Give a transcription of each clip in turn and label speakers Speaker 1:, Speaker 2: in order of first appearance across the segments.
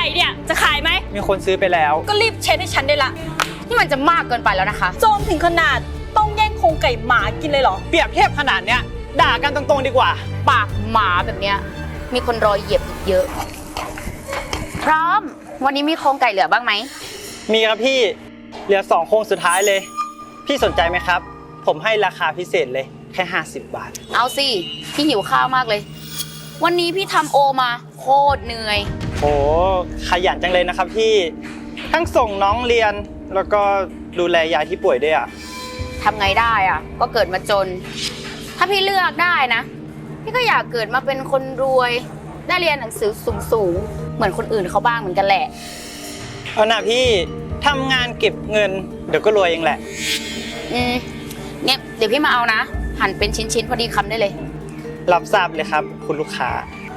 Speaker 1: เนี่ยจะขายไหม
Speaker 2: มีคนซื้อไปแล้ว
Speaker 1: ก็รีบเช็ดให้ฉันได้ละ
Speaker 3: นี่มันจะมากเกินไปแล้วนะคะ
Speaker 1: โจรถึงขนาดต้องแย่งโครงไก่หมากินเลยเหรอ
Speaker 2: เปรียบเทียบขนาดเนี้ยด่ากันตรงๆดีกว่า
Speaker 3: ปากหมาแบบเนี้ยมีคนรอเหยียบอีกเยอะพร้อมวันนี้มีโครงไก่เหลือบ้างไหม
Speaker 2: มีครับพี่เหลือ2โครงสุดท้ายเลยพี่สนใจไหมครับผมให้ราคาพิเศษเลยแค่50 บาท
Speaker 3: เอาสิพี่หิวข้าวมากเลยวันนี้พี่ทำโอมาโคตรเหนื่อย
Speaker 2: โอ้ขยันจังเลยนะครับพี่ทั้งส่งน้องเรียนแล้วก็ดูแลยายที่ป่วยด้วยอ่ะ
Speaker 3: ทำไงได้อ่ะก็เกิดมาจนถ้าพี่เลือกได้นะพี่ก็อยากเกิดมาเป็นคนรวยได้เรียนหนังสือสูงๆเหมือนคนอื่นเขาบ้างเหมือนกันแหละ
Speaker 2: เอาน่ะพี่ทำงานเก็บเงินเดี๋ยวก็รวยเองแหละ
Speaker 3: เนี่ยเดี๋ยวพี่มาเอานะหั่นเป็นชิ้นๆพอดีคำได้เลย
Speaker 2: รับทราบเลยครับคุณลูกค้า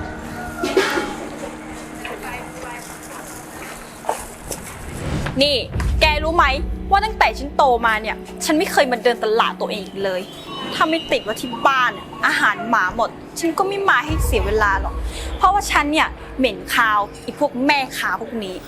Speaker 1: นี่แกรู้ไหมว่าตั้งแต่ฉันโตมาเนี่ยฉันไม่เคยมาเดินตลาดตัวเองอีกเลยถ้าไม่ติดว่าที่บ้านอาหารหมาหมดฉันก็ไม่มาให้เสียเวลาหรอกเพราะว่าฉันเนี่ยเหม็นคาวอีพวกแม่ค้าพวกนี้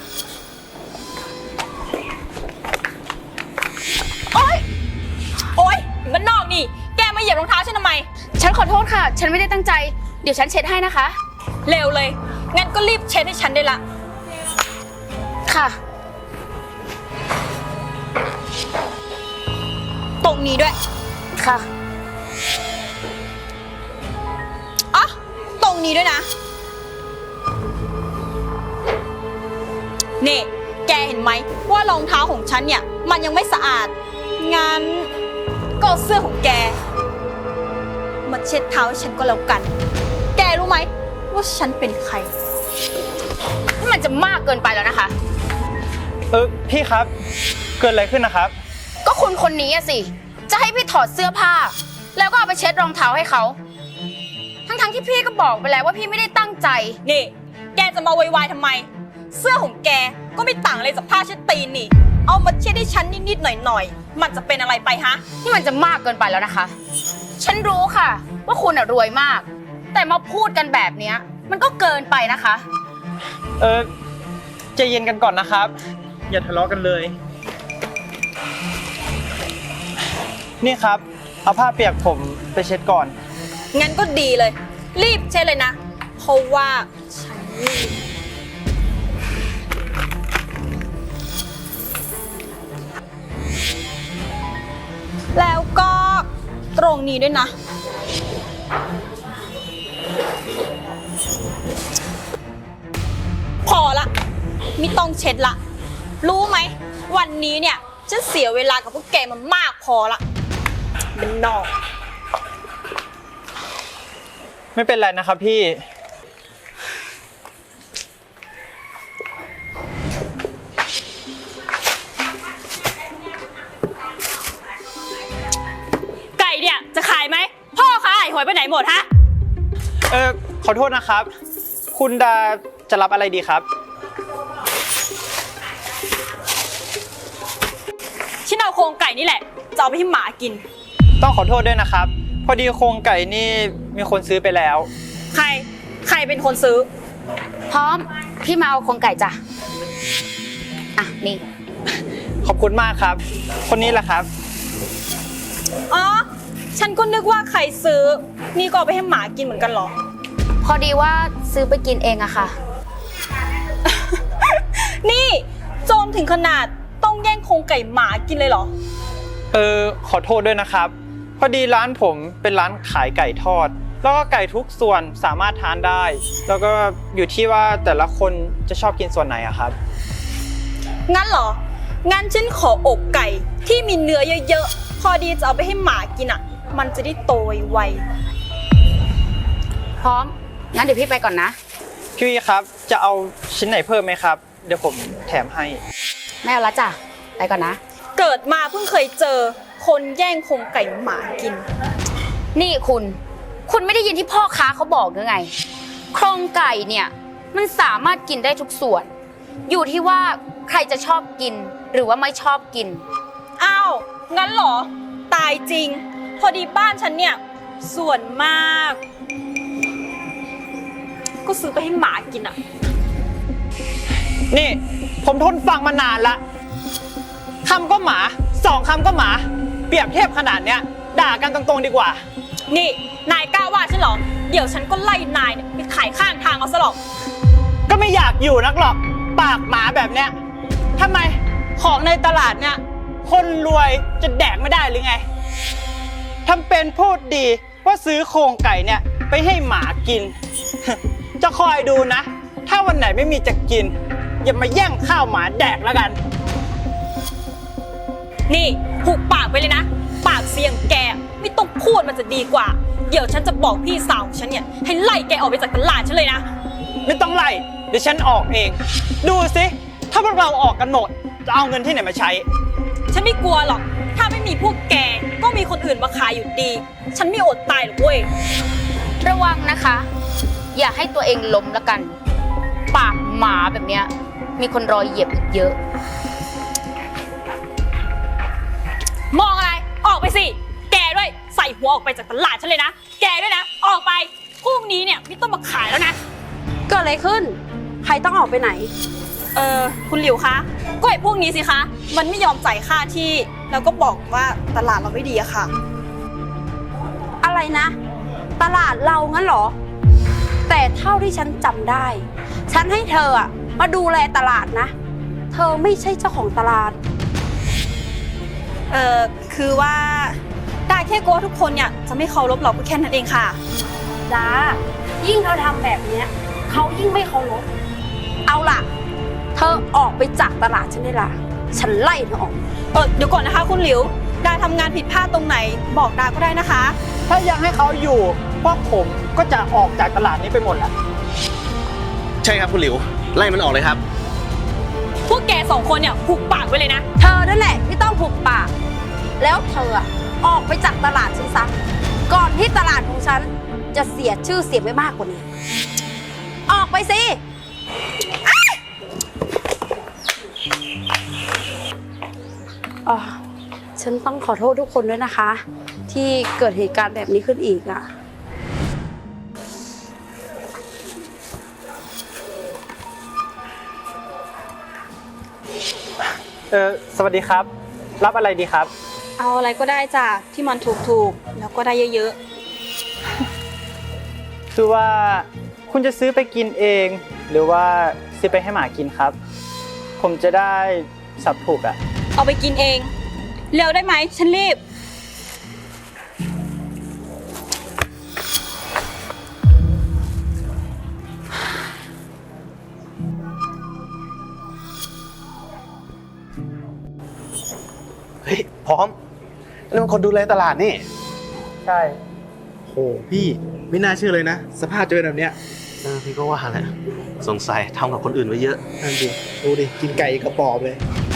Speaker 1: โอ๊ยมันนอกนี่แกมาเหยียบรองเท้าฉันทำไม
Speaker 3: ฉันขอโทษค่ะฉันไม่ได้ตั้งใจเดี๋ยวฉันเช็ดให้นะคะ
Speaker 1: เร็วเลยงั้นก็รีบเช็ดให้ฉันได้ละ
Speaker 3: ค่ะ
Speaker 1: ตรงนี้ด้วย
Speaker 3: ค่ะ
Speaker 1: อ๋อตรงนี้ด้วยนะนี่แกเห็นไหมว่ารองเท้าของฉันเนี่ยมันยังไม่สะอาดงั้นก็เสื้อของแกมาเช็ดเท้าให้ฉันก็แล้วกันแกรู้ไหมว่าฉันเป็นใคร
Speaker 3: นี่มันจะมากเกินไปแล้วนะคะ
Speaker 2: พี่ครับเกิดอะไรขึ้นนะครับ
Speaker 3: ก็คุณคนนี้สิจะให้พี่ถอดเสื้อผ้าแล้วก็เอาไปเช็ดรองเท้าให้เขาทั้งที่พี่ก็บอกไปแล้วว่าพี่ไม่ได้ตั้งใจ
Speaker 1: นี่แกจะมาวุ่นวายทำไมเสื้อของแกก็ไม่ต่างอะไรจากผ้าเช็ดตีนนี่เอามาเช็ดให้ฉันนิดๆหน่อยๆมันจะเป็นอะไรไปฮะ
Speaker 3: นี่มันจะมากเกินไปแล้วนะคะฉันรู้ค่ะว่าคุณรวยมากแต่มาพูดกันแบบนี้มันก็เกินไปนะคะ
Speaker 2: ใจเย็นกันก่อนนะครับอย่าทะเลาะกันเลยนี่ครับเอาผ้าเปียกผมไปเช็ดก่อน
Speaker 1: งั้นก็ดีเลยรีบเช็ดเลยนะเพราะว่าฉันรีบแล้วก็ตรงนี้ด้วยนะพอละไม่ต้องเช็ดละรู้ไหมวันนี้เนี่ยฉันเสียเวลากับพวกแกมามากพอละเป็นนอก
Speaker 2: ไม่เป็นไรนะครับพี่
Speaker 1: ไก่เนี่ยจะขายไหมพ่อขายหวยไปไหนหมดฮะ
Speaker 2: ขอโทษนะครับคุณดาจะรับอะไรดีครับ
Speaker 1: ฉันเอาโครงไก่นี่แหละจะเอาไปให้หมากิน
Speaker 2: ต้องขอโทษด้วยนะครับพอดีโครงไก่นี่มีคนซื้อไปแล้ว
Speaker 1: ใครเป็นคนซื้อ
Speaker 3: พร้อมพี่มาเอาโครงไก่จ้ะอ่ะนี่
Speaker 2: ขอบคุณมากครับคนนี้แหละครับ
Speaker 1: อ๋อฉันก็นึกว่าใครซื้อนี่ก็เอาไปให้หมากินเหมือนกันเหรอ
Speaker 3: พอดีว่าซื้อไปกินเองอะค่ะ
Speaker 1: นี่โจรถึงขนาดต้องแย่งโครงไก่หมากินเลยเหรอ
Speaker 2: ขอโทษด้วยนะครับพอดีร้านผมเป็นร้านขายไก่ทอดแล้วก็ไก่ทุกส่วนสามารถทานได้แล้วก็อยู่ที่ว่าแต่ละคนจะชอบกินส่วนไหนอะครับ
Speaker 1: งั้นเหรองั้นฉันขออกไก่ที่มีเนื้อเยอะๆพอดีจะเอาไปให้หมากินอะมันจะได้โตไว
Speaker 3: ๆพร้อมงั้นเดี๋ยวพี่ไปก่อนนะ
Speaker 2: พี่ครับจะเอาชิ้นไหนเพิ่มไหมครับเดี๋ยวผมแถมให้
Speaker 3: ไม่เอาละจ้ะไปก่อนนะ
Speaker 1: เกิดมาเพิ่งเคยเจอคนแย่งโครงไก่หมากิน
Speaker 3: นี่คุณไม่ได้ยินที่พ่อค้าเขาบอกหรือไงโครงไก่เนี่ยมันสามารถกินได้ทุกส่วนอยู่ที่ว่าใครจะชอบกินหรือว่าไม่ชอบกิน
Speaker 1: อ้าวงั้นเหรอตายจริงพอดีบ้านฉันเนี่ยส่วนมากก็ซื้อไปให้หมากินอะ
Speaker 2: นี่ผมทนฟังมานานละคำก็หมา2คำก็หมา เปรียบเทียบขนาดเนี้ยด่ากันตรงๆดีกว่า
Speaker 1: นี่นายกล้าว่าฉันเหรอ เดี๋ยวฉันก็ไล่นายเนี่ยไปขายข้างทางเอาซะหรอก
Speaker 2: ก็ไม่อยากอยู่นักหรอกปากหมาแบบเนี้ยทำไมของในตลาดเนี่ยคนรวยจะแดกไม่ได้หรือไงทำเป็นพูดดีว่าซื้อโครงไก่เนี่ยไปให้หมากิน จะคอยดูนะ ถ้าวันไหนไม่มีจะกิน อย่ามาแย่งข้าวหมาแดกแล้วกัน
Speaker 1: นี่หุบปากไปเลยนะ ปากเสียงแกไม่ต้องพูดมันจะดีกว่า เดี๋ยวฉันจะบอกพี่สาวของฉันเนี่ยให้ไล่แกออกไปจากตลาดฉันเลยนะ
Speaker 2: ไม่ต้องไล่เดี๋ยวฉันออกเอง ดูสิถ้าพวกเราออกกันหมดจะเอาเงินที่ไหนมาใช้
Speaker 1: ฉันไม่กลัวหรอก ถ้าไม่มีพวกแกก็มีคนอื่นมาขายอยู่ดี ฉันไม่อดตายหรอกเว้ย
Speaker 3: ระวังนะคะ อย่าให้ตัวเองล้มละกัน ปากหมาแบบเนี้ยมีคนรอเหยียบอีกเยอะ
Speaker 1: มองอะไร ออกไปสิ แกด้วยใส่หัวออกไปจากตลาดฉันเลยนะ แกด้วยนะ ออกไป พรุ่งนี้เนี่ยไม่ต้องมาขายแล้วนะ
Speaker 4: เกิดอะไรขึ้น ใครต้องออกไปไหน
Speaker 1: คุณหลิวคะ ก็ไอ้พวกนี้สิคะ มันไม่ยอมจ่ายค่าที่ แล้วก็บอกว่าตลาดเราไม่ดีอะค่ะ
Speaker 4: อะไรนะ ตลาดเรางั้นเหรอ แต่เท่าที่ฉันจำได้ ฉันให้เธออะมาดูแลตลาดนะ เธอไม่ใช่เจ้าของตลาด
Speaker 1: คือว่าได้แค่กลัวทุกคนเนี่ยจะไม่เคารพเราก็แค่นั้นเองค่ะ
Speaker 4: จ้า ยิ่งเธอทำแบบเนี้ยเขายิ่งไม่เคารพเอาล่ะ เธอออกไปจากตลาดฉันได้ละฉันไล่เธอออก
Speaker 1: เดี๋ยวก่อนนะคะคุณหลิว ดาทำงานผิดพลาดตรงไหน บอกดาก็ได้นะคะ
Speaker 2: ถ้ายังให้เขาอยู่พวกผมก็จะออกจากตลาดนี้ไปหมดแหละ
Speaker 5: ใช่ครับคุณหลิว ไล่มันออกเลยครับ
Speaker 1: พวกแก2คนเนี่ยหุบปากไว้เลยนะ
Speaker 4: เธอนั่นแหละที่ต้องผูกปาก แล้วเธออะออกไปจากตลาดฉันซะก่อนที่ตลาดของฉันจะเสียชื่อเสียงไปมากกว่านี้ ออกไปสิฉันต้องขอโทษทุกคนด้วยนะคะ ที่เกิดเหตุการณ์แบบนี้ขึ้นอีกอ่ะ
Speaker 2: สวัสดีครับ รับอะไรดีครับ
Speaker 1: เอาอะไรก็ได้จ้ะที่มันถูกๆ แล้วก็ได้เยอะ
Speaker 2: คือว่าคุณจะซื้อไปกินเอง หรือว่าซื้อไปให้หมากินครับ ผมจะได้สับถูกอ่ะ
Speaker 1: ๆ เอาไปกินเอง เร็วได้ไหมฉันรีบ
Speaker 5: เฮ้ย พร้อมนั่นมันคนดูแลตลาดนี่
Speaker 2: ใช่
Speaker 5: โหพี่ไม่น่าเชื่อเลยนะ สภาพจะเป็นแบบเนี้ยพี่ก็ว่าแหละสงสัยทำกับคนอื่นไว้เยอะ
Speaker 6: นั่นดิดูดิ กินไก่กระปอบเลย